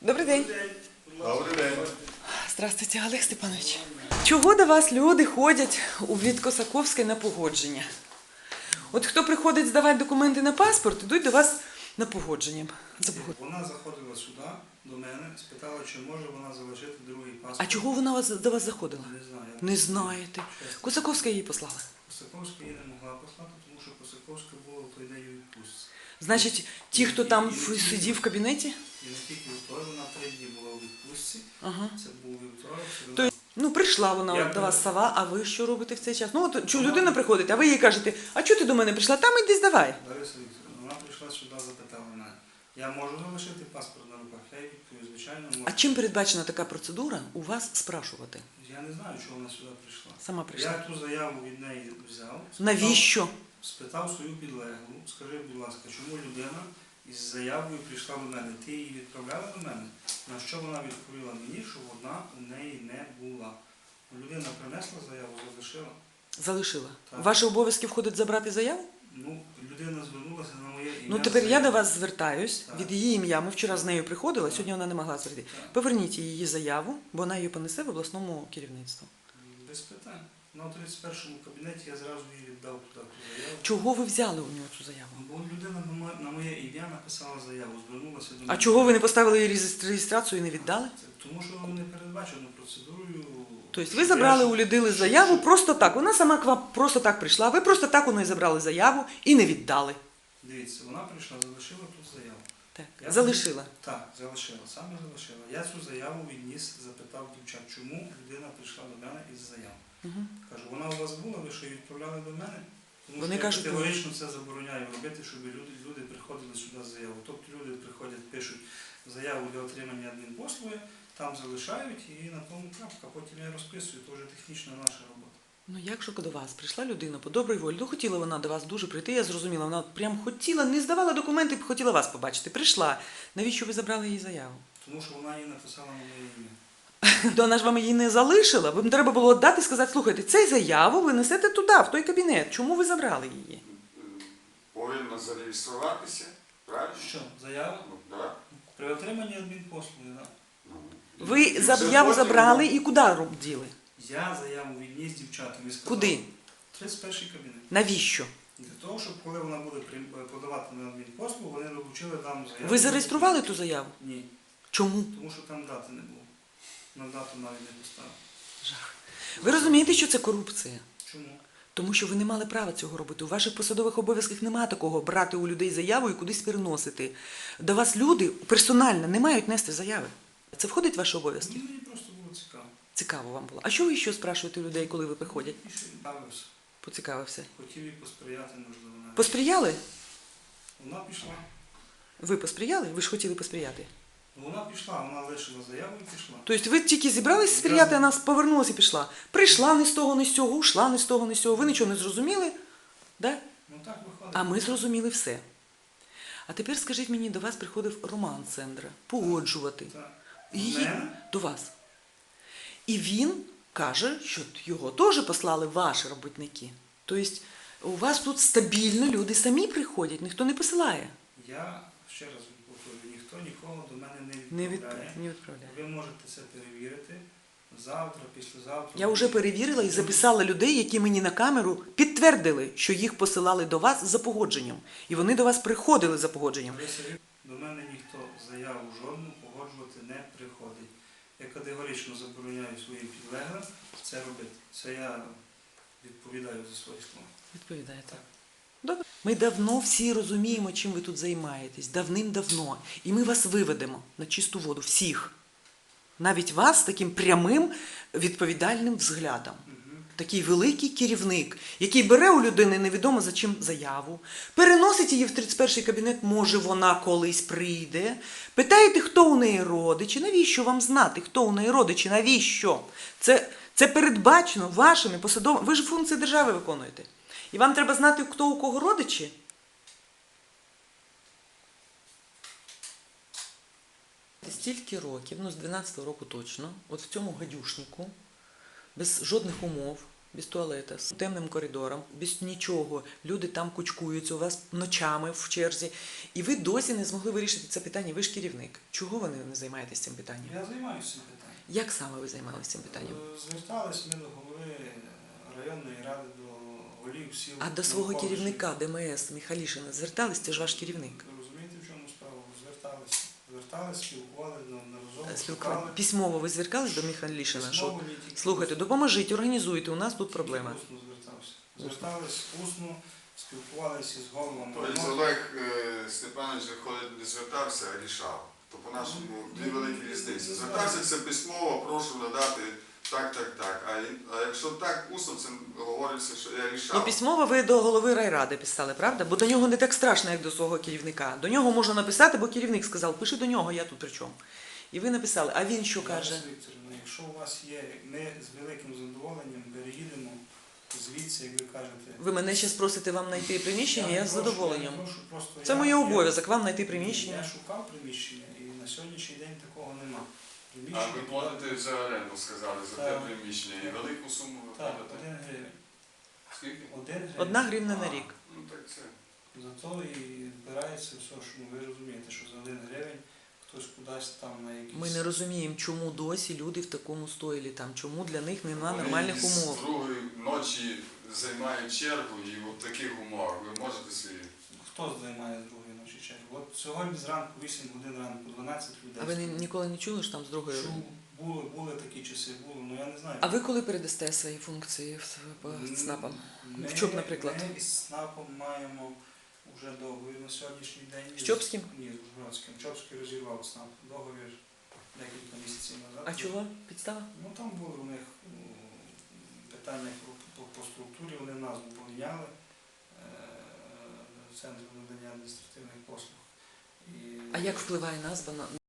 Добрий день. Добрий день. Здравствуйте, Олег Степанович. Чого до вас люди ходять у Косаковське на погодження? От хто приходить здавати документи на паспорт, йдуть до вас на погодження. Вона заходила сюди, до мене, спитала, чи може вона залишити другий паспорт. А чого вона до вас заходила? Не знаю. Не знаєте. Косаковська її послала. Косаковська її не могла послати, тому що Косаковська була в той день у відпустці. Значить, ті, хто там сидів в кабінеті? І не тільки вівторок, вона 3 дні була у відпустці. Ага. Це був вівторок, То, ну, прийшла вона Я до вас сова, а ви що робите в цей час? Ну, от людина приходить, а ви їй кажете, а чого ти до мене прийшла? Там іди здавай. Лариса Вікторівна, вона прийшла сюди, запитала мене. Я можу залишити паспорт на руках? Я їй відповів, звичайно, можу. А чим передбачена така процедура у вас спрашувати? Я не знаю, чого вона сюди прийшла. Сама прийшла. Я ту заяву від неї взяв. Навіщо? Спитав свою підлеглу, скажи, будь ласка, чому людина із заявою прийшла до мене? Ти її відправляла до мене? На що вона відповіла мені, що вона у неї не була. Людина принесла заяву, залишила. Залишила. Так. В ваші обов'язки входить забрати заяву? Ну, людина звернулася на моє ім'я. Ну, тепер я заяву. до вас звертаюсь Так. від її ім'я. Ми вчора з нею приходили, сьогодні вона не могла зайти. Так. Поверніть її заяву, бо вона її понесе в обласному керівництву. Без питань. На 31-му кабінеті я зразу їй віддав туди ту заяву. Чого ви взяли у нього цю заяву? Бо людина на моє ім'я написала заяву, звернулася до мене. А чого ви не поставили її реєстрацію і не віддали? Тому що не передбачено процедурою. Тобто ви забрали у людини заяву просто так. Вона сама к вам просто так прийшла, ви просто так у неї забрали заяву і не віддали. Дивіться, вона прийшла, залишила тут заяву. Так. Я Залишила. Так, залишила, саме залишила. Я цю заяву відніс, запитав дівчат, чому людина прийшла до мене із заяв. Угу. Кажу, вона у вас була, ви що її відправляли до мене? Тому Вони що кажуть, я категорично це забороняю робити, щоб люди приходили сюди з заяву. Тобто люди приходять, пишуть заяву для отримання адмінпослуги, там залишають і на тому крапка. Потім я розписую, це вже технічна наша робота. Ну як же до вас прийшла людина по добрій волі? Ну хотіла вона до вас дуже прийти, я зрозуміла. Вона прям хотіла, не здавала документи, хотіла вас побачити. Прийшла. Навіщо ви забрали її заяву? Тому що вона її написала на моє ім'я. То вона ж вам її не залишила. Вам треба було віддати і сказати, слухайте, цей заяву ви несете туди, в той кабінет. Чому ви забрали її? Повинна зареєструватися, правильно? Що, заява? Ну, так. При отриманні адмінпослуги, так. Ну, Ви це заяву потім, забрали і куди діли? Я заяву відніс дівчатам і сказав. Куди? 31-й кабінет. Навіщо? Для того, щоб коли вона буде подавати на адмінпослугу, вони долучили там заяву. Ви зареєстрували ту заяву? Ні. Чому? Тому що там дати не було. На дату навіть не поставили. Жах. Ви розумієте, що це корупція? Чому? Тому що ви не мали права цього робити. У ваших посадових обов'язках немає такого брати у людей заяву і кудись переносити. До вас люди персонально не мають нести заяви. Це входить в ваші обов'язки? Мені просто було цікаво. Цікаво вам було. А що ви ще спрашуєте у людей, коли ви приходять? І ще бавився. Поцікавився. Хотів їй посприяти, можливо, навіть. Посприяли? Вона пішла. Ви посприяли? Ви ж хотіли посприяти. Ну, вона пішла, вона лишила заяву і пішла. Тобто ви тільки зібрались сприяти, а нас повернулася і пішла. Прийшла не з того, не з цього, ушла не з того, не з цього. Ви нічого не зрозуміли? Да? Ну так виходить. А ми зрозуміли все. А тепер скажіть мені, до вас приходив Роман Сендра погоджувати Так. її Мене? до вас. І він каже, що його теж послали ваші робітники. Тобто у вас тут стабільно люди самі приходять, ніхто не посилає. Я ще раз повторюю, ніхто нікого до мене Не не відправляє. відправляє. Ви можете це перевірити завтра, післязавтра. Я вже перевірила і записала людей, які мені на камеру підтвердили, що їх посилали до вас за погодженням. І вони до вас приходили за погодженням. До мене ніхто заяву жодну погоджувати не приходить. Я категорично забороняю своїм підлеглим це робити. Це я відповідаю за свої слова. Відповідаєте. Добре. Ми давно всі розуміємо, чим ви тут займаєтесь. Давним-давно. І ми вас виведемо на чисту воду. Всіх. Навіть вас з таким прямим відповідальним взглядом. Такий великий керівник, який бере у людини невідомо за чим заяву, переносить її в 31-й кабінет, може вона колись прийде. Питаєте, хто у неї родичі, навіщо вам знати, хто у неї родичі, навіщо? Це передбачено вашими посадовими, ви ж функції держави виконуєте. І вам треба знати, хто у кого родичі? Стільки років, ну з 12-го року точно, от в цьому гадюшнику, без жодних умов, без туалета, з темним коридором, без нічого. Люди там кучкуються у вас ночами в черзі. І ви досі не змогли вирішити це питання. Ви ж керівник. Чого ви не займаєтесь цим питанням? Я займаюся цим питанням. Як саме ви займалися цим питанням? Звертались ми до голови районної ради, до голів сіл. А до свого керівника ДМС Михалішина звертались? Це ж ваш керівник. Ви розумієте, в чому справа? Звертались. Звертались, спілкувалися неодноразово. Письмово ви звертались до Михалішина? Що, Письмово, ні, тільки слухайте, допоможіть, організуйте, у нас тут проблема. Усно звертався. Звертались усно, спілкувалися з головами. Тобто Олег Степанович виходить, не звертався, а рішав. То по-нашому дві великі різниці. Звертався це письмово, прошу надати так. А якщо так, усно, це говориться, що я рішав. Ну, письмово ви до голови райради писали, правда? Бо до нього не так страшно, як до свого керівника. До нього можна написати, бо керівник сказав, пиши до нього, я тут при чому. І ви написали, а він що каже? Лариса Вікторівна, якщо у вас є, ми з великим задоволенням переїдемо звідси, як ви кажете. Ви мене зараз просите вам знайти приміщення, я з задоволенням. Просто Це моє обов'язок, вам знайти приміщення. Я шукав приміщення, і на сьогоднішній день такого нема. А ви платите за оренду, сказали, за те Так. приміщення. І велику суму ви Так, платите? 1 гривень. Скільки? 1 гривень. 1 гривня на рік. Ну так це. Зато і збирається все, що ви розумієте, що за 1 гривень хтось кудись там на якісь... Ми не розуміємо, чому досі люди в такому стойлі там, чому для них немає Вони нормальних з умов. другої ночі займають чергу і в таких умовах. Ви можете собі... Хто займає з другої ночі чергу? От сьогодні зранку, 8 годин ранку, 12 людей. А ви ніколи не чули, що там з другої? Чув, були такі часи, ну я не знаю. А ви коли передасте свої функції по ЦНАПам? В ЧОП, наприклад? Ми із ЦНАПом маємо вже договір на сьогоднішній день. З Чопським? Ні, з Ужгородським. Чопський розірвав ЦНАП. Договір декілька місяців назад. А чого? Підстава? Ну там були у них питання по структурі, вони назву поміняли Центру надання адміністративних послуг. А як впливає назва на